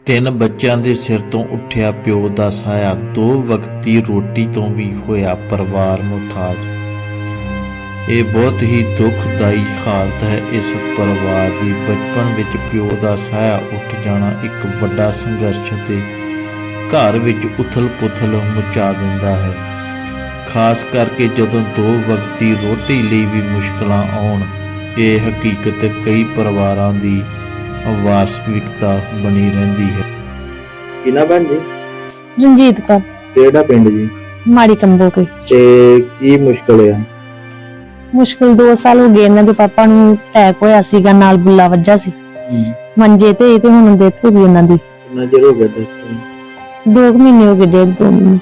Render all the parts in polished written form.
ਤਿੰਨ ਬੱਚਿਆਂ ਦੇ ਸਿਰ ਤੋਂ ਉੱਠਿਆ ਪਿਓ ਦਾ ਸਾਇਆ, ਦੋ ਵਕਤੀ ਰੋਟੀ ਤੋਂ ਵੀ ਹੋਇਆ ਪਰਿਵਾਰ ਮੁਹਤਾਜ। ਇਹ ਬਹੁਤ ਹੀ ਦੁਖਦਾਈ ਹਾਲਤ ਹੈ ਇਸ ਪਰਿਵਾਰ ਦੀ। ਬਚਪਨ ਵਿੱਚ ਪਿਓ ਦਾ ਸਾਇਆ ਉੱਠ ਜਾਣਾ ਇੱਕ ਵੱਡਾ ਸੰਘਰਸ਼ ਤੇ ਘਰ ਵਿੱਚ ਉਥਲ-ਪੁਥਲ ਮਚਾ ਦਿੰਦਾ ਹੈ, ਖਾਸ ਕਰਕੇ ਜਦੋਂ ਦੋ ਵਕਤੀ ਰੋਟੀ ਲਈ ਵੀ ਮੁਸ਼ਕਲਾਂ ਆਉਣ। ਇਹ ਹਕੀਕਤ ਕਈ ਪਰਿਵਾਰਾਂ ਦੀ ਵਾਸਤਵਿਕਤਾ ਬਣੀ ਰਹਿੰਦੀ ਹੈ। ਕਿਨਾ ਭੈਣ ਜੀ? ਰਣਜੀਤ ਕੌਰ, ਕਿਹੜਾ ਪਿੰਡ ਜੀ? ਮਾੜੀ ਕੰਬੋ ਕੇ। ਤੇ ਕੀ ਮੁਸ਼ਕਲ ਆ? ਮੁਸ਼ਕਲ 2 ਸਾਲ ਹੋ ਗਏ। ਇਹਨਾਂ ਦੇ ਪਾਪਾ ਨੂੰ ਅਟੈਕ ਹੋਇਆ ਸੀਗਾ, ਨਾਲ ਬੁੱਲਾ ਵੱਜਾ ਸੀ ਮੰਜੇ ਤੇ ਹੁਣ ਡੈਥ ਹੋ ਗਈ ਉਹਨਾਂ ਦੀ। ਕਿੰਨਾ ਚਿਰ ਹੋ ਗਿਆ? 2 ਮਹੀਨੇ ਹੋ ਗਏ, 1.5-2 ਮਹੀਨੇ।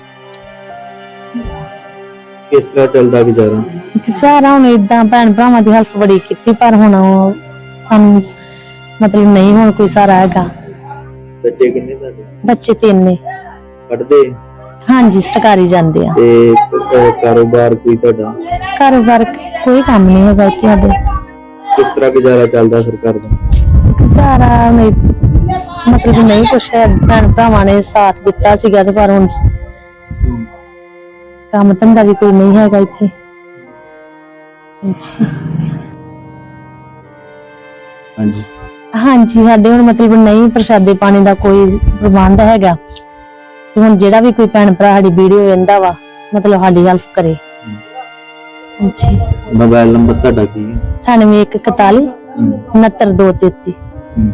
ਕਿਸ ਤਰ੍ਹਾਂ ਚੱਲਦਾ ਗੁਜ਼ਾਰਾ? ਸਾਰਾ ਹੁਣ ਏਦਾਂ ਭੈਣ ਭਰਾਵਾਂ ਦੀ ਹੈਲਪ ਬੜੀ ਕੀਤੀ, ਪਰ ਹੁਣ ਸਾਨੂੰ ਮਤਲਬ ਨਹੀਂ ਹੁਣ ਕੋਈ ਸਾਰਾ ਹੈਗਾ। ਬੱਚੇ ਕਿੰਨੇ ਤੁਹਾਡੇ? ਬੱਚੇ 3 ਨੇ। ਪੜ੍ਹਦੇ? ਹਾਂਜੀ, ਸਰਕਾਰੀ ਜਾਂਦੇ ਆ। ਤੇ ਕਾਰੋਬਾਰ ਕੋਈ ਤੁਹਾਡਾ? ਕਾਰੋਬਾਰ ਕੋਈ ਕੰਮ ਨਹੀਂ ਹੈਗਾ ਇੱਥੇ ਸਾਡੇ। ਕਿਸ ਤਰ੍ਹਾਂ ਗੁਜ਼ਾਰਾ ਚੱਲਦਾ ਸਰਕਾਰ ਦਾ? ਸਾਰਾ ਮਤਲਬ ਨਹੀਂ ਕੁਛ ਹੈ, ਭੈਣ ਭਰਾਵਾਂ ਨੇ ਸਾਥ ਦਿੱਤਾ ਸੀਗਾ ਤੇ ਪਰ ਹੁਣ ਕੰਮ ਧੰਦਾ ਵੀ ਕੋਈ ਨਹੀਂ ਹੈਗਾ ਇੱਥੇ। ਹਾਂਜੀ, ਸਾਡੇ ਹੁਣ ਮਤਲਬ ਨਹੀਂ ਪ੍ਰਸ਼ਾਦੇ ਪਾਣੀ ਦਾ ਕੋਈ ਪ੍ਰਬੰਧ ਹੈਗਾ। ਹੁਣ ਜਿਹੜਾ ਵੀ ਕੋਈ ਭੈਣ ਭਰਾ ਸਾਡੀ ਵੀਡੀਓ ਵੇਖਦਾ ਵਾ, ਮਤਲਬ ਸਾਡੀ ਹੈਲਪ ਕਰੇ। ਹਾਂਜੀ। ਮੋਬਾਈਲ ਨੰਬਰ ਤੁਹਾਡਾ ਕੀ ਹੈ? 9841 69 233।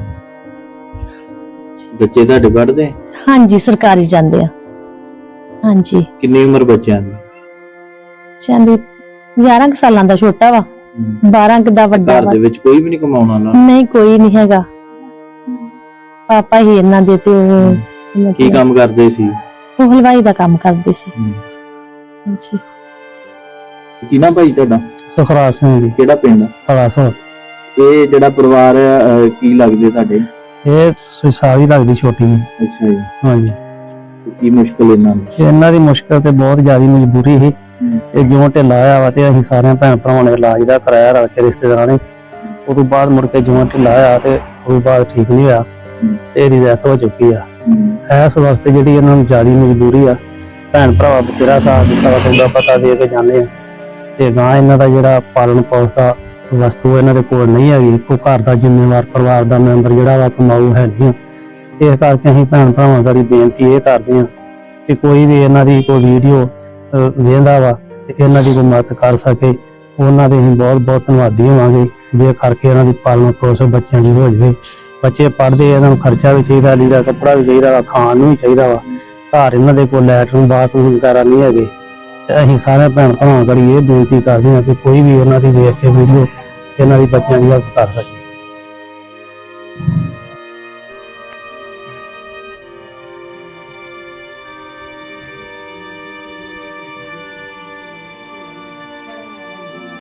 ਬੱਚੇ ਤੁਹਾਡੇ ਪੜ੍ਹਦੇ? ਹਾਂਜੀ, ਸਰਕਾਰੀ ਜਾਂਦੇ ਆ। ਹਾਂਜੀ। ਕਿੰਨੀ ਉਮਰ ਬੱਚਿਆਂ ਦੀ? ਚਾਹਦੇ 11 ਸਾਲਾਂ ਦਾ ਛੋਟਾ ਵਾ, 12 ਦਾ ਵੱਡਾ ਵਾ। ਘਰ ਦੇ ਵਿੱਚ ਕੋਈ ਵੀ ਨਹੀਂ ਕਮਾਉਣ ਵਾਲਾ? ਨਹੀਂ, ਕੋਈ ਨਹੀਂ ਹੈਗਾ। ਪਾਪਾ ਹੀ ਇਹਨਾਂ ਦੇ ਤੇ ਉਹ ਕੀ ਕੰਮ ਕਰਦੇ ਸੀ? ਉਹ ਹਲਵਾਈ ਦਾ ਕੰਮ ਕਰਦੇ ਸੀ। ਹਾਂਜੀ। ਕਿਹਨਾਂ ਭਾਈ ਤੁਹਾਡਾ? ਸੁਖਰਾਜ ਸਿੰਘ ਜੀ। ਕਿਹੜਾ ਪਿੰਡ? ਹਲਾਸੋ। ਇਹ ਜਿਹੜਾ ਪਰਿਵਾਰ ਕੀ ਲੱਗਦੇ ਤੁਹਾਡੇ? ਇਹ ਸੁਸਾਰੀ ਲੱਗਦੀ ਛੋਟੀ ਜੀ। ਅੱਛਾ ਜੀ। ਹਾਂਜੀ। ਕੀ ਮੁਸ਼ਕਲ ਇਹਨਾਂ ਦੀ ਮੁਸ਼ਕਲ ਤੇ ਬਹੁਤ ਜ਼ਿਆਦਾ ਮਜਬੂਰੀ ਸੀ। ਇਹ ਜਿਉਂ ਢਿੱਲਾ ਆਇਆ ਵਾ ਤੇ ਅਸੀਂ ਸਾਰਿਆਂ ਭੈਣ ਭਰਾਵਾਂ ਨੇ ਇਲਾਜ ਦਾ ਕਰਾਇਆ ਰਲ ਕੇ ਰਿਸ਼ਤੇਦਾਰਾਂ ਨੇ। ਉਸ ਤੋਂ ਬਾਅਦ ਮੁੜ ਕੇ ਜਿਉਂ ਢਿੱਲਾ ਆਇਆ ਤੇ ਉਸ ਤੋਂ ਬਾਅਦ ਠੀਕ ਨਹੀਂ ਹੋਇਆ ਤੇ ਇਹਦੀ ਡੈਥ ਹੋ ਚੁੱਕੀ ਆ। ਇਸ ਵਕਤ ਜਿਹੜੀ ਇਹਨਾਂ ਨੂੰ ਜ਼ਿਆਦਾ ਮਜਬੂਰੀ ਆ, ਭੈਣ ਭਰਾਵਾ ਬਥੇਰਾ ਸਾਥ ਦਿੱਤਾ ਵਾ, ਸੌਦਾ ਪਤਾ ਦੇ ਕੇ ਜਾਂਦੇ ਆ ਤੇ ਗਾਂ ਇਹਨਾਂ ਦਾ ਜਿਹੜਾ ਪਾਲਣ ਪੋਸ ਦਾ ਵਸਤੂ ਇਹਨਾਂ ਦੇ ਕੋਲ ਨਹੀਂ ਹੈਗੀ। ਕੋਈ ਘਰ ਦਾ ਜ਼ਿੰਮੇਵਾਰ ਪਰਿਵਾਰ ਦਾ ਮੈਂਬਰ ਜਿਹੜਾ ਵਾ ਕਮਾਊ ਹੈ ਨਹੀਂ। ਇਸ ਕਰਕੇ ਅਸੀਂ ਭੈਣ ਭਰਾਵਾਂ ਗਾੜੀ ਬੇਨਤੀ ਇਹ ਕਰਦੇ ਹਾਂ ਕਿ ਕੋਈ ਵੀ ਇਹਨਾਂ ਦੀ ਕੋਈ ਵੀਡੀਓ ਵੇਖਦਾ ਵਾ ਤੇ ਇਹਨਾਂ ਦੀ ਕੋਈ ਮਦਦ ਕਰ ਸਕੇ, ਉਹਨਾਂ ਦੇ ਅਸੀਂ ਬਹੁਤ ਬਹੁਤ ਧੰਨਵਾਦੀ ਹੋਵਾਂਗੇ। ਜੇ ਕਰਕੇ ਇਹਨਾਂ ਦੀ ਪਾਲਣ ਪੋਸ ਬੱਚਿਆਂ ਦੀ ਹੋ ਜਾਵੇ। ਬੱਚੇ ਪੜ੍ਹਦੇ, ਇਹਨਾਂ ਨੂੰ ਖਰਚਾ ਵੀ ਚਾਹੀਦਾ, ਲੀੜਾ ਕੱਪੜਾ ਵੀ ਚਾਹੀਦਾ ਵਾ, ਖਾਣ ਨੂੰ ਵੀ ਚਾਹੀਦਾ ਵਾ। ਘਰ ਇਹਨਾਂ ਦੇ ਕੋਲ ਲੈਟਰਨ ਬਾਥਰੂਮ ਵਗੈਰਾ ਨਹੀਂ ਹੈਗੇ ਤੇ ਅਸੀਂ ਸਾਰੇ ਭੈਣ ਭਰਾਵਾਂ ਗਾੜੀ ਇਹ ਬੇਨਤੀ ਕਰਦੇ ਹਾਂ ਕਿ ਕੋਈ ਵੀ ਇਹਨਾਂ ਦੀ ਵੇਖ ਕੇ ਵੀਡੀਓ ਇਹਨਾਂ ਦੀ ਬੱਚਿਆਂ ਦੀ ਹੈਲਪ ਕਰ ਸਕੇ।